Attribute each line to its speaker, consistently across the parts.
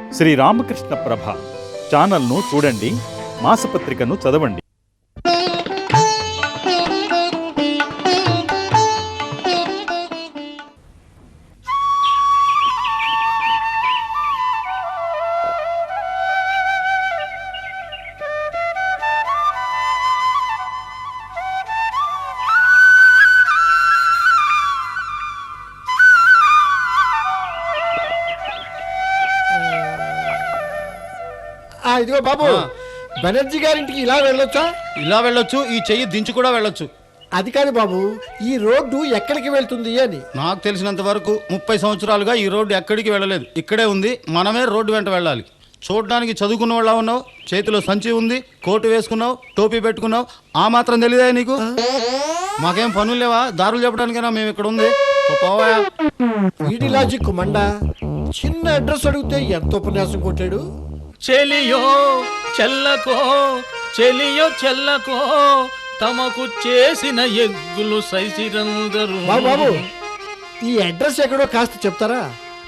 Speaker 1: శ్రీ రామకృష్ణ ప్రభ ఛానల్ను చూడండి, మాసపత్రికను చదవండి.
Speaker 2: ఇదిగో బాబు, బెనర్జీ గారింటికి ఇలా వెళ్ళొచ్చా?
Speaker 3: ఇలా వెళ్ళొచ్చు, ఈ చెయ్యి దించి కూడా వెళ్ళొచ్చు.
Speaker 2: అది కాదు బాబు, ఈ రోడ్డు ఎక్కడికి వెళ్తుంది అని.
Speaker 3: నాకు తెలిసినంత వరకు 30 సంవత్సరాలుగా ఈ రోడ్డు ఎక్కడికి వెళ్ళలేదు, ఇక్కడే ఉంది. మనమే రోడ్డు వెంట వెళ్ళాలి. చూడడానికి చదువుకున్న వాళ్ళ ఉన్నావు, చేతిలో సంచి ఉంది, కోటు వేసుకున్నావు, టోపీ పెట్టుకున్నావు, ఆ మాత్రం తెలియదా నీకు? మాకేం పనులు లేవా? దారులు చెప్పడానికైనా మేము ఇక్కడ ఉంది.
Speaker 2: వీడి లాజిక్ మండ. చిన్న అడ్రస్ అడిగితే ఎంత ఉపన్యాసం కొట్టాడు.
Speaker 4: చెలియో చెల్లకో చెలియో చెల్లకో తమకు చేసిన ఎగ్గులు సైసిరందరూ.
Speaker 2: బాబు, ఈ అడ్రస్ ఎక్కడో కాస్త చెప్తారా?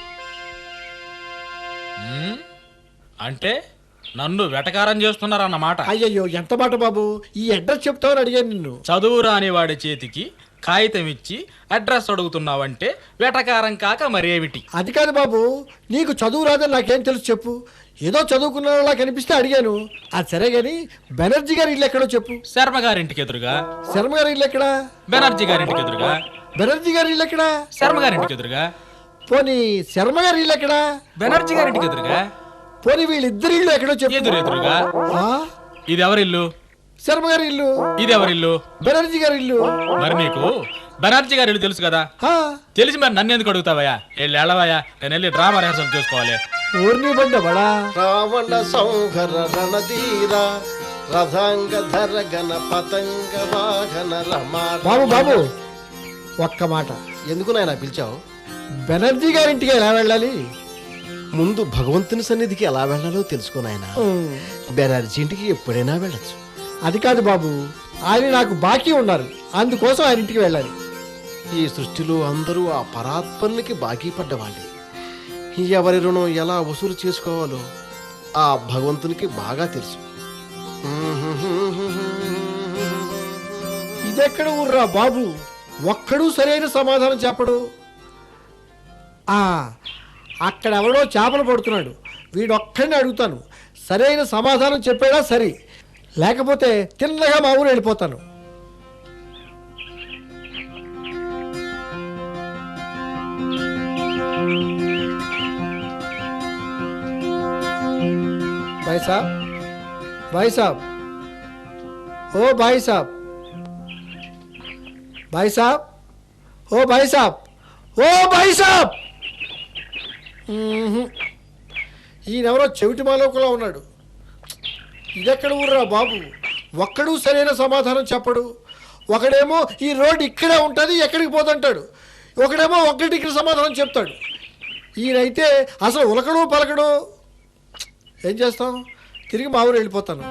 Speaker 4: అంటే నన్ను వెటకారం చేస్తున్నారన్నమాట.
Speaker 2: అయ్యయ్యో, ఎంత మాట బాబు, ఈ అడ్రస్ చెప్తావని అడిగాను నిన్ను.
Speaker 4: చదువు రాని వాడి చేతికి కాగితం ఇచ్చి అడ్రస్ అడుగుతున్నావంటే వెటకారం కాక మరేమిటి?
Speaker 2: అది కాదు బాబు, నీకు చదువు రాదని నాకేం తెలుసు చెప్పు. ఏదో చదువుకున్నలా కనిపిస్తే అడిగాను. అది సరే గాని బెనర్జీ గారి ఇల్లు ఎక్కడో చెప్పు.
Speaker 4: శర్మ గారింటికి ఎదురుగా.
Speaker 2: శర్మ గారి ఇల్లు ఎక్కడా?
Speaker 4: బెనర్జీ గారింటికి ఎదురుగా.
Speaker 2: బెనర్జీ గారి ఇల్లు ఎక్కడా?
Speaker 4: శర్మ గారింటికి ఎదురుగా.
Speaker 2: పోనీ శర్మ గారి ఇల్లు ఎక్కడా?
Speaker 4: బెనర్జీ గారింటికి ఎదురుగా.
Speaker 2: పోనీ వీళ్ళిద్దరి ఇల్లు ఎక్కడో చెప్పు.
Speaker 4: ఎదురుగా. ఇది ఎవరిల్లు?
Speaker 2: శర్మ గారి ఇల్లు.
Speaker 4: ఇది ఎవరిల్లు?
Speaker 2: బెనర్జీ గారి ఇల్లు.
Speaker 4: మరి నీకు బెనర్జీ గారి ఇల్లు తెలుసు కదా? తెలిసి మరి నన్ను ఎందుకు అడుగుతావయ్యా? వెళ్ళవయ్యా, నేను వెళ్ళి డ్రామా రిహార్సల్ చేసుకోవాలి.
Speaker 2: ఊర్ని బండ బడా
Speaker 5: రావణ సంహర రణధీర రథాంగధర గణ పతంగ వాహన రమా.
Speaker 2: బాబు బాబు, ఒక్క మాట.
Speaker 5: ఎందుకు నాయన పిలిచావు?
Speaker 2: బెనర్జీ గారింటికి ఎలా వెళ్ళాలి?
Speaker 5: ముందు భగవంతుని సన్నిధికి ఎలా వెళ్ళాలో తెలుసుకో నాయన. బెనర్జీ ఇంటికి ఎప్పుడైనా వెళ్ళచ్చు.
Speaker 2: అది కాదు బాబు, ఆయన నాకు బాకీ ఉన్నారు, అందుకోసం ఆయన ఇంటికి వెళ్ళాలి.
Speaker 5: ఈ సృష్టిలో అందరూ ఆ పరాత్పరునికి బాకీ పడ్డవాళ్ళే. ఎవరి రుణం ఎలా వసూలు చేసుకోవాలో ఆ భగవంతునికి బాగా తెలుసు.
Speaker 2: ఇదెక్కడ ఊర్రా బాబు, ఒక్కడూ సరైన సమాధానం చెప్పడు. అక్కడ ఎవడో చేపలు పడుతున్నాడు, వీడొక్కడిని అడుగుతాను, సరైన సమాధానం చెప్పాడా సరే, లేకపోతే తిన్నగా మా ఊరు వెళ్ళిపోతాను. भाई साहब, भाई साहब, ओ भाई साहब, भाई साहब, ओ भाई साहब, ओ भाई साहब. ఈయనెవరో చెవిటి మాలోకలా ఉన్నాడు. ఇదెక్కడ ఊర్రా బాబు, ఒక్కడూ సరైన సమాధానం చెప్పడు. ఒకడేమో ఈ రోడ్డు ఇక్కడే ఉంటుంది, ఎక్కడికి పోతుంటాడు. ఒకడేమో ఒక్కటికి సమాధానం చెప్తాడు. ఈయనైతే అసలు ఉలకడు పలకడు. ఏం చేస్తాం, తిరిగి మా ఊరు వెళ్ళిపోతాను.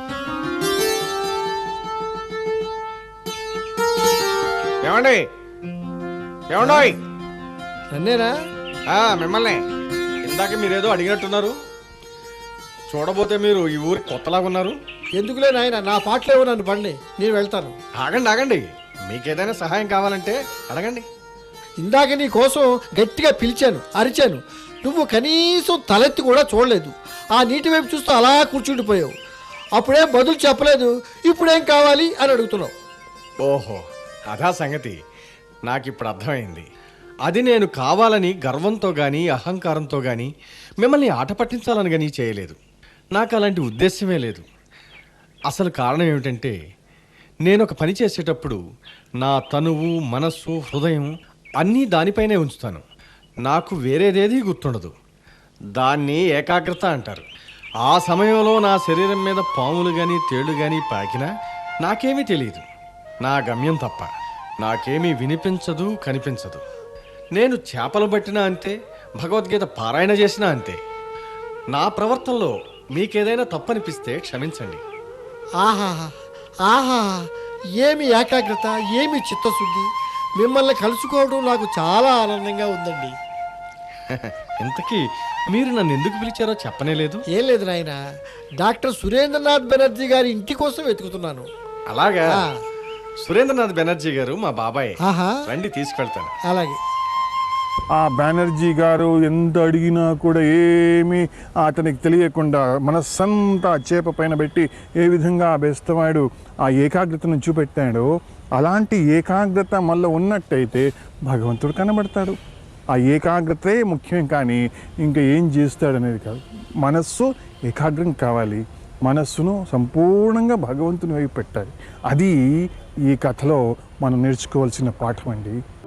Speaker 6: ఏమండి ఏమండోయ్?
Speaker 2: నన్నేనా?
Speaker 6: మిమ్మల్ని. ఇందాక మీరేదో అడిగినట్టున్నారు. చూడబోతే మీరు ఈ ఊరికి కొత్తలాగా ఉన్నారు.
Speaker 2: ఎందుకులే నాయన, నా పాటలేవో నన్ను పండి, నేను వెళ్తాను.
Speaker 6: ఆగండి ఆగండి, మీకేదైనా సహాయం కావాలంటే అడగండి.
Speaker 2: ఇందాక నీ కోసం గట్టిగా పిలిచాను, అరిచాను, నువ్వు కనీసం తలెత్తి కూడా చూడలేదు. ఆ నీటి వైపు చూస్తూ అలా కూర్చుండిపోయావు. అప్పుడేం బదులు చెప్పలేదు, ఇప్పుడేం కావాలి అని అడుగుతున్నావు.
Speaker 6: ఓహో, అదా సంగతి. నాకు ఇప్పుడు అర్థమైంది. అది నేను కావాలని గర్వంతో కానీ అహంకారంతో కానీ మిమ్మల్ని ఆట పట్టించాలని కానీ చేయలేదు. నాకు అలాంటి ఉద్దేశమే లేదు. అసలు కారణం ఏమిటంటే, నేను ఒక పని చేసేటప్పుడు నా తనువు, మనస్సు, హృదయం అన్నీ దానిపైనే ఉంచుతాను. నాకు వేరేదేది గుర్తుండదు. దాన్ని ఏకాగ్రత అంటారు. ఆ సమయంలో నా శరీరం మీద పాములు కానీ తేళ్లు కానీ పాకినా నాకేమీ తెలియదు, నా గమ్యం తప్ప. నాకేమీ వినిపించదు, కనిపించదు. నేను చేపలు పట్టినా అంతే, భగవద్గీత పారాయణ చేసినా అంతే. నా ప్రవర్తనలో మీకేదైనా తప్పనిపిస్తే క్షమించండి.
Speaker 2: ఆహా ఆహా, ఏమి ఏకాగ్రత, ఏమి చిత్తశుద్ధి. మిమ్మల్ని కలుసుకోవడం నాకు చాలా ఆనందంగా ఉందండి.
Speaker 6: ఇంతకీ మీరు నన్ను ఎందుకు పిలిచారో చెప్పనే లేదు.
Speaker 2: ఏం లేదు నాయన, డాక్టర్ సురేంద్రనాథ్ బెనర్జీ గారి ఇంటి కోసం వెతుకుతున్నాను.
Speaker 6: అలాగా?
Speaker 2: ఆ.
Speaker 6: సురేంద్రనాథ్ బెనర్జీ గారు మా బాబాయ్.
Speaker 2: ఆహా,
Speaker 6: రండి తీసుకెళ్తాను.
Speaker 2: అలాగే.
Speaker 7: ఆ బెనర్జీ గారు ఎంత అడిగినా కూడా ఏమీ అతనికి తెలియకుండా మనస్సంతా చేప పైన పెట్టి ఏ విధంగా ఆ బెస్తవాడు ఆ ఏకాగ్రతను చూపెట్టాడో అలాంటి ఏకాగ్రత మళ్ళీ ఉన్నట్టయితే భగవంతుడు కనబడతాడు. ఆ ఏకాగ్రతే ముఖ్యం, కానీ ఇంకా ఏం చేస్తాడనేది కాదు. మనస్సు ఏకాగ్రం కావాలి, మనస్సును సంపూర్ణంగా భగవంతుని వైపు పెట్టాలి. అది ఈ కథలో మనం నేర్చుకోవాల్సిన పాఠం అండి.